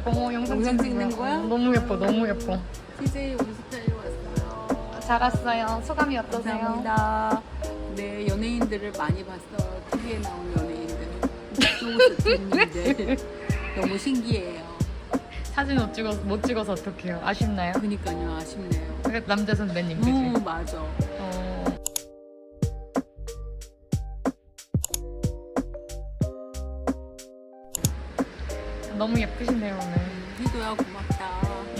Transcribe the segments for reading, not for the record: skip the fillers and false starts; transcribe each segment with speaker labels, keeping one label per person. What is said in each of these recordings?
Speaker 1: 영상 찍는 거야?
Speaker 2: 너무 예뻐, 너무 예뻐.
Speaker 1: CJ 우리 스타일로 왔어요.
Speaker 2: 잘 왔어요. 소감이 어떠세요?
Speaker 1: 감사합니다. 네, 연예인들을 많이 봤어요. TV에 나온 연예인들. 쇼호스트님들. 너무 신기해요.
Speaker 2: 사진 못 찍어서 어떡해요? 아쉽나요?
Speaker 1: 그니까요, 아쉽네요.
Speaker 2: 남자 선배님, 그치?
Speaker 1: 맞아.
Speaker 2: 너무 예쁘시네요, 오늘.
Speaker 1: 희도야, 고맙다.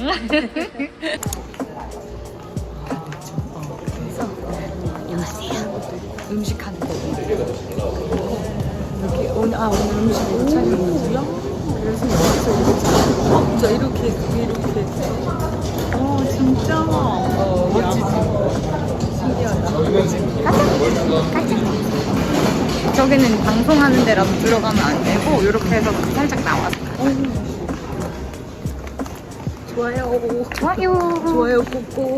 Speaker 2: 안녕하세요. 음식 하는 거. 여기 오늘 음식으로 촬영이고요. 그래서 여기서 이렇게 이렇게. 진짜. 멋지지. 신기하다. 가자. 저기는 방송하는 데라도 들어가면 안 되고 이렇게 해서 살짝 나와서. 좋아요. 좋아요. 좋아요 꾹꾹.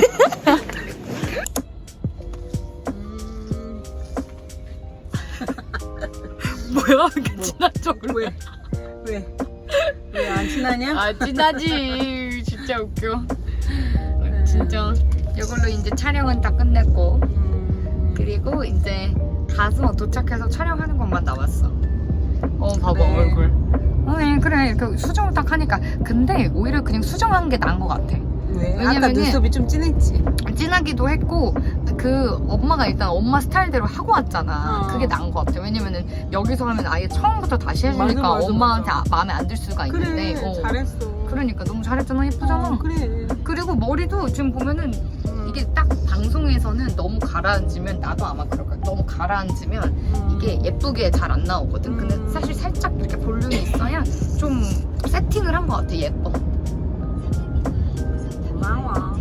Speaker 2: 뭐야? 이렇게 친한 척을
Speaker 1: 왜 안 친하냐?
Speaker 2: 아 친하지. 진짜 웃겨. 진짜 이걸로 이제 촬영은 다 끝냈고 그리고 이제 가서 도착해서 촬영하는 것만 남았어. 봐봐
Speaker 1: 네.
Speaker 2: 얼굴. 그래 그 수정을 딱 하니까 근데 오히려 그냥 수정한 게 나은 것 같아.
Speaker 1: 왜? 아까
Speaker 2: 왜냐면은
Speaker 1: 눈썹이 좀 진했지?
Speaker 2: 진하기도 했고 그 엄마가 일단 엄마 스타일대로 하고 왔잖아. 그게 나은 것 같아. 왜냐면은 여기서 하면 아예 처음부터 다시 해주니까
Speaker 1: 맞아,
Speaker 2: 엄마한테 마음에 안 들 수가 있는데.
Speaker 1: 그래, 잘했어.
Speaker 2: 그러니까 너무 잘했잖아. 예쁘잖아.
Speaker 1: 그래.
Speaker 2: 그리고 머리도 지금 보면은 이게 딱 방송에서는 너무 가라앉으면 나도 아마 그럴 거야. 너무 가라앉으면 이게 예쁘게 잘 안 나오거든. 근데 사실 살짝 이렇게 볼륨이 있어야 좀 세팅을 한 것 같아. 예뻐.
Speaker 1: 고마워.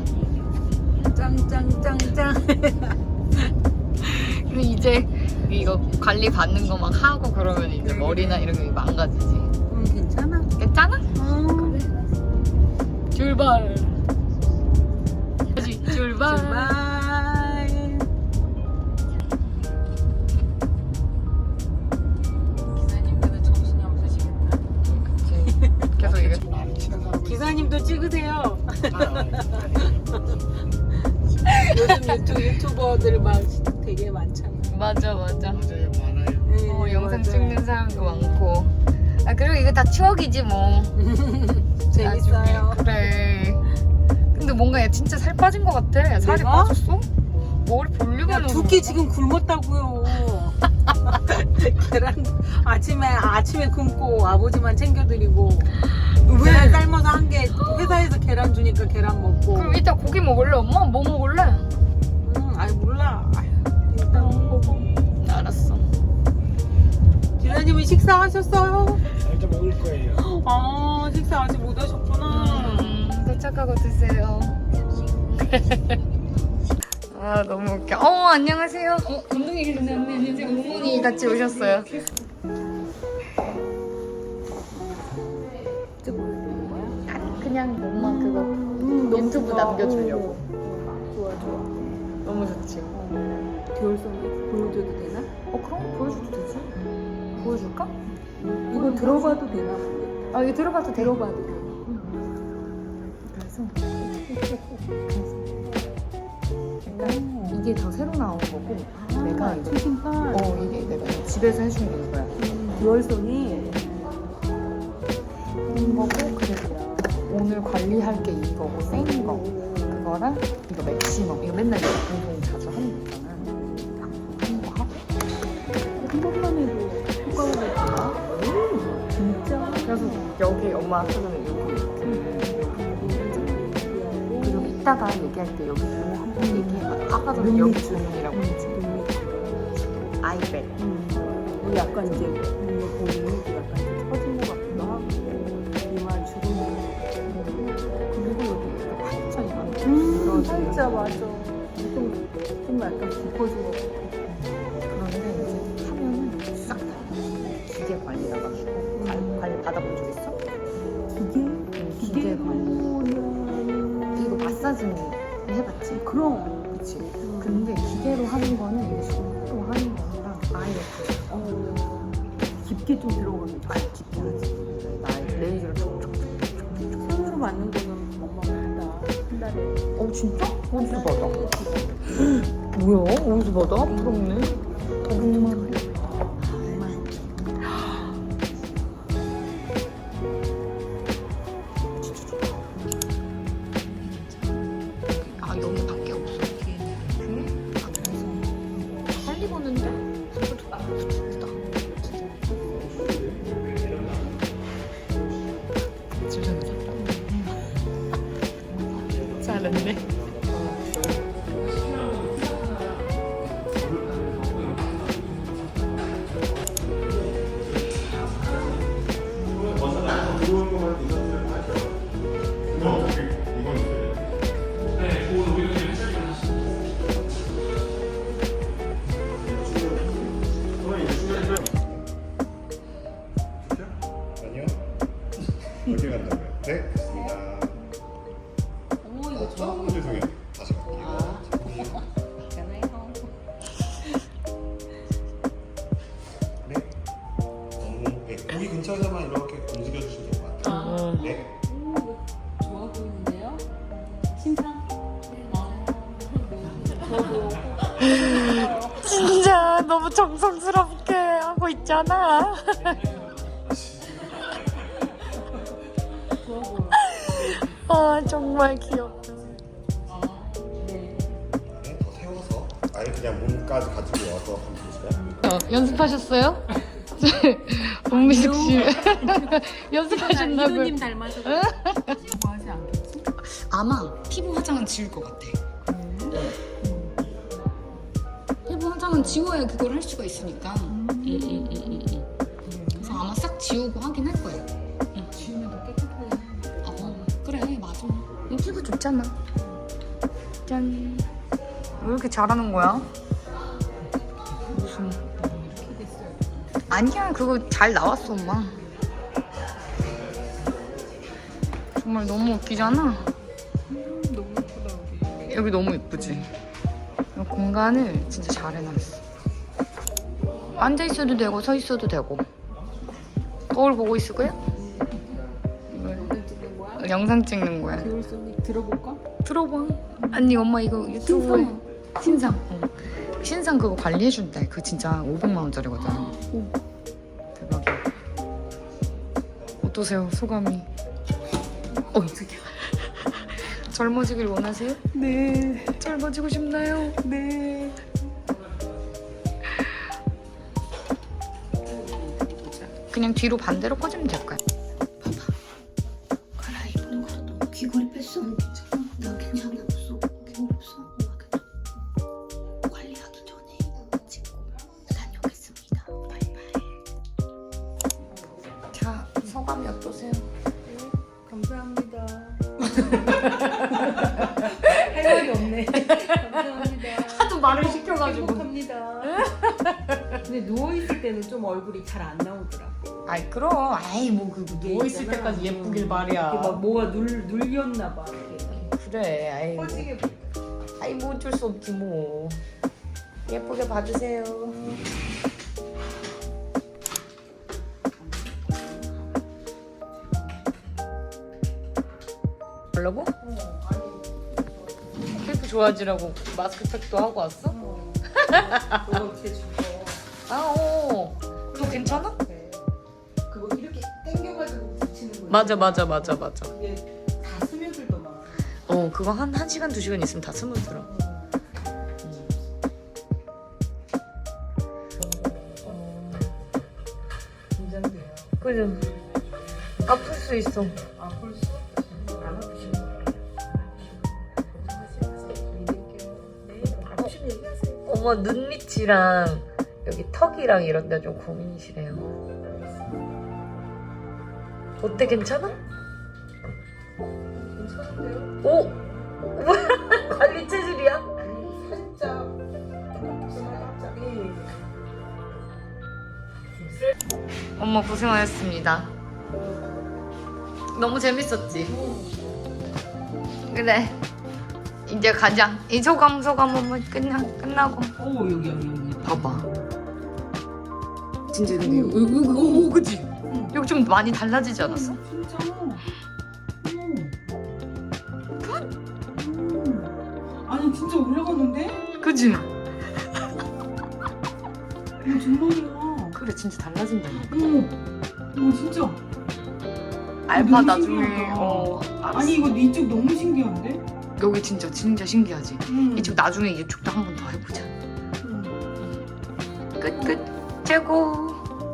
Speaker 1: 짱짱짱짱.
Speaker 2: 그리고 이제 이거 관리 받는 거 막 하고 그러면 이제 머리나 이런 게 망가지지.
Speaker 1: 괜찮아.
Speaker 2: 괜찮아? 출발. 다시 출발.
Speaker 1: 기사님들은 정신이 없으시겠다.
Speaker 2: 계속 이게.
Speaker 1: 기사님도 찍으세요. 요즘 유튜버들 막 되게 많잖아.
Speaker 2: 맞아.
Speaker 3: 맞아요, 많아요.
Speaker 2: 영상 찍는 사람도 많고. 그리고 이거 다 추억이지 뭐.
Speaker 1: 재밌어요.
Speaker 2: 나중에. 그래. 근데 뭔가 얘 진짜 살 빠진 것 같아. 살이
Speaker 1: 내가?
Speaker 2: 빠졌어? 머리 볼륨이
Speaker 1: 야, 두끼 지금 굶었다고요. 계란 아침에 굶고 아버지만 챙겨드리고 계란 삶아서 한 개 회사에서 계란 주니까 계란 먹고.
Speaker 2: 그럼 이따 고기 먹을래 엄마? 뭐 먹을래?
Speaker 1: 아이 몰라. 일단 먹어.
Speaker 2: 알았어.
Speaker 1: 기사님은 식사하셨어요?
Speaker 3: 살짝 먹을 거예요.
Speaker 1: 아 식사 아직 못 하셨구나.
Speaker 2: 도착하고 드세요. 아 너무 웃겨. 안녕하세요. 감독님 계셨네. 이제 어머니 같이 오셨어요. 그냥 엄마 그거 유튜브 남겨주려고.
Speaker 1: 좋아.
Speaker 2: 너무 좋지.
Speaker 1: 겨울송이 보여줘도 되나?
Speaker 2: 그럼 보여줘도 되지. 보여줄까?
Speaker 1: 이거 들어봐도 되나?
Speaker 2: 이거 들어봐도 돼.
Speaker 1: 들어봐도 돼.
Speaker 2: 그래서 일단 이게 더 새로 나온 거고 내가 이제
Speaker 1: 최신판.
Speaker 2: 이게 내가 집에서 해준 거야.
Speaker 1: 듀얼송이
Speaker 2: 한 거고 그리고 오늘 관리할 게 이거고 센 거 그거랑 이거 맥시멈 이거 맨날 내가 방송 자주 하는 거잖아. 하는 거 하고
Speaker 1: 한 번만 해도 효과가 나구나. 진짜.
Speaker 2: 그래서 여기 엄마 하자면 그리고 이따가 얘기할 때 여기 뭐 한번 얘기해봐. 아까 전에 여기 주문이라고 했지. 아이백.
Speaker 1: 약간 이제 볼이 약간 처진 것 같기도 하고 이마 주름이
Speaker 2: 그리고 여기 팔자 이만
Speaker 1: 진짜 맞아. 좀 약간 깊어진 것 같아.
Speaker 2: 그런데 이제 하면은 싹 다 기계 관리 나가지고 관리 받아본 적 있어? 기계 관리 이거 마사지는 해봤지?
Speaker 1: 그럼.
Speaker 2: 그치? 근데 기계로 하는 거는 이게 손으로 하는 거랑 아예
Speaker 1: 깊게 좀 들어가는.
Speaker 2: 아예 깊게 하지. 나 레이저를 촉촉촉
Speaker 1: 맞는 거는 엄마 받아. 한 달에.
Speaker 2: 어 진짜? 어디서 받아? 뭐야? 어디서 받아? 부럽네. 정말. 아 여기밖에 없어. 그래? 아 그래서 빨리 보는데? 생각보다 부럽다. 잘했네.
Speaker 3: 아니요. 어디 간다고요? 네, 됐습니다.
Speaker 1: 오 이거 처음.
Speaker 3: 죄송해요. 다시 갈게요. 네. 네. 여기 근처에서만 이렇게 움직여 주시면 될 것 같아요. 네.
Speaker 1: 좋아 보이는데요? 신상?
Speaker 2: 진짜 너무 정성스럽게 하고 있잖아.
Speaker 1: 좋아 보여.
Speaker 2: 아 정말 귀엽다.
Speaker 1: 네.
Speaker 3: 네, 더 세워서 아예 그냥 몸까지 가지고 와서 한번 보실까요?
Speaker 2: 연습하셨어요? 박미숙 씨 연습하셨나고요?
Speaker 1: 이도님 닮아서 좋아하지 않겠지?
Speaker 2: 아마 피부 화장은 지울 것 같아. 피부 화장은 지워야 그걸 할 수가 있으니까. 그래서 아마 싹 지우고 하긴 할 거예요.
Speaker 1: 지우면 더 깨끗해.
Speaker 2: 그래 맞아. 피부 좋잖아. 짠. 왜 이렇게 잘하는 거야? 무슨?
Speaker 1: 이렇게 됐어요.
Speaker 2: 아니야 그거 잘 나왔어 엄마. 정말 너무 웃기잖아.
Speaker 1: 너무 예쁘다 여기.
Speaker 2: 여기 너무 예쁘지? 이 공간을 진짜 잘 해놨어. 앉아 있어도 되고 서 있어도 되고. 거울 보고 있을 거야?
Speaker 1: 영상 찍는 거야?
Speaker 2: 영상 찍는 거야.
Speaker 1: 겨울 소닉 들어볼까?
Speaker 2: 들어봐. 아니 엄마 이거 유튜브에 신상. 신상 그거 관리해준대. 그거 진짜 500만 원짜리거든. 대박이야. 어떠세요 소감이? 젊어지길 원하세요?
Speaker 1: 네.
Speaker 2: 젊어지고 싶나요?
Speaker 1: 네.
Speaker 2: 그냥 뒤로 반대로 꺼지면 될 거야.
Speaker 4: 갈아입는 거 너무 귀걸이 뺐어? 나 괜찮아 없어 귀걸이 없어 관리하기 전에 찍고 다녀오겠습니다 바이바이
Speaker 2: 자 소감이 어떠세요?
Speaker 1: 감사합니다. 할 말이 없네. 감사합니다.
Speaker 2: 하도 말을 시켜가지고.
Speaker 1: 행복합니다. 근데 누워 있을 때는 좀 얼굴이 잘 안 나오더라.
Speaker 2: 아이 그럼 아이 뭐 그 누워 있을
Speaker 1: 있잖아.
Speaker 2: 때까지 예쁘길 말이야.
Speaker 1: 이렇게 막 뭐가 눌렸나 봐. 이렇게.
Speaker 2: 그래 아이 뭐.
Speaker 1: 퍼지게.
Speaker 2: 아이 뭐 어쩔 수 없지 뭐. 예쁘게 봐주세요. 뭐라고? 피부 좋아지라고 마스크팩도 하고 왔어?
Speaker 1: 너가 어떻게 죽어?
Speaker 2: 아, 어. 너 괜찮아?
Speaker 1: 그거 이렇게 당겨가지고 붙이는 거야.
Speaker 2: 맞아.
Speaker 1: 이게 다 스며들더만.
Speaker 2: 어, 그거 한 1시간, 2시간 있으면 다 스며들어.
Speaker 1: 긴장돼요.
Speaker 2: 그죠? 아플 수 있어.
Speaker 1: 아플 수 안 아프시면 아프시면 얘기하세요.
Speaker 2: 어머, 눈 밑이랑 여기 턱이랑 이런 데 좀 고민이시래요. 어때, 괜찮아?
Speaker 1: 괜찮은데요?
Speaker 2: 오! 관리 체질이야?
Speaker 1: 살짝
Speaker 2: 엄마 고생하셨습니다. 너무 재밌었지? 그래. 이제 가자. 이 소감 한번 끝나고.
Speaker 1: 오 여기
Speaker 2: 봐봐. 진짜 근데 여기 그치? 여기 좀 많이 달라지지 않았어?
Speaker 1: 진짜.
Speaker 2: 그지?
Speaker 1: 정말이야.
Speaker 2: 그래 진짜 달라진다.
Speaker 1: 진짜.
Speaker 2: 알파
Speaker 1: 너무
Speaker 2: 나중에
Speaker 1: 신기하다.
Speaker 2: 알았어.
Speaker 1: 아니 이거 이쪽 너무 신기한데?
Speaker 2: 여기 진짜 신기하지.
Speaker 1: 응.
Speaker 2: 이쪽 나중에 이쪽도 한 번 더 해보자. 끝 최고.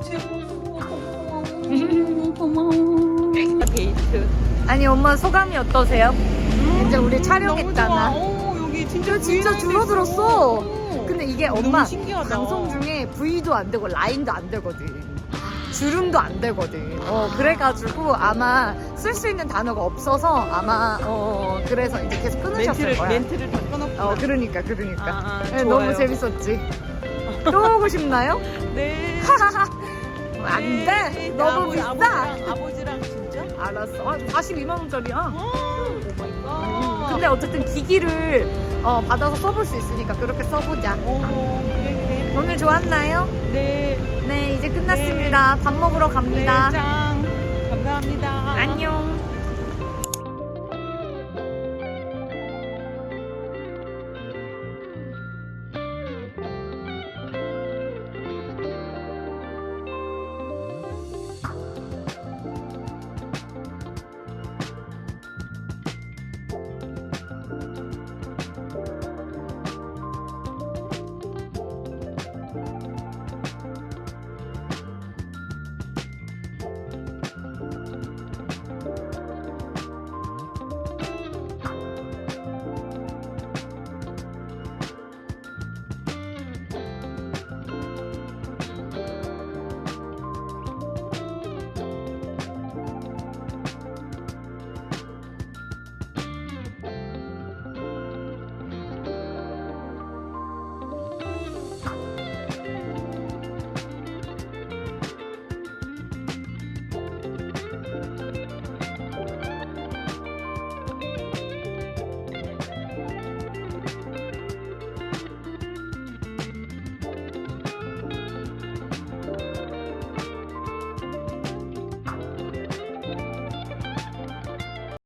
Speaker 1: 고마워. 데이트.
Speaker 2: 아니 엄마 소감이 어떠세요? 이제 우리 촬영했잖아.
Speaker 1: 여기 진짜
Speaker 2: 진짜 줄어들었어. 근데 이게 엄마
Speaker 1: 너무 신기하다.
Speaker 2: 방송 중에 V도 안 되고 라인도 안 되거든. 주름도 안 되거든. 그래가지고 아마 쓸 수 있는 단어가 없어서 아마 그래서 이제 계속 끊으셨을 거야.
Speaker 1: 멘트를 다 끊었구나.
Speaker 2: 그러니까. 네,
Speaker 1: 좋아요.
Speaker 2: 너무 재밌었지. 또 오고 싶나요?
Speaker 1: 네.
Speaker 2: 안 돼. 너무 비싸.
Speaker 1: 아버지랑 진짜?
Speaker 2: 알았어. 42만 원짜리야.
Speaker 1: 오 마이 갓.
Speaker 2: 근데 어쨌든 기기를 받아서 써볼 수 있으니까 그렇게 써보자.
Speaker 1: 그래.
Speaker 2: 오늘 좋았나요?
Speaker 1: 네.
Speaker 2: 네, 이제 끝났습니다. 밥 먹으러 갑니다.
Speaker 1: 네, 짱. 감사합니다.
Speaker 2: 안녕.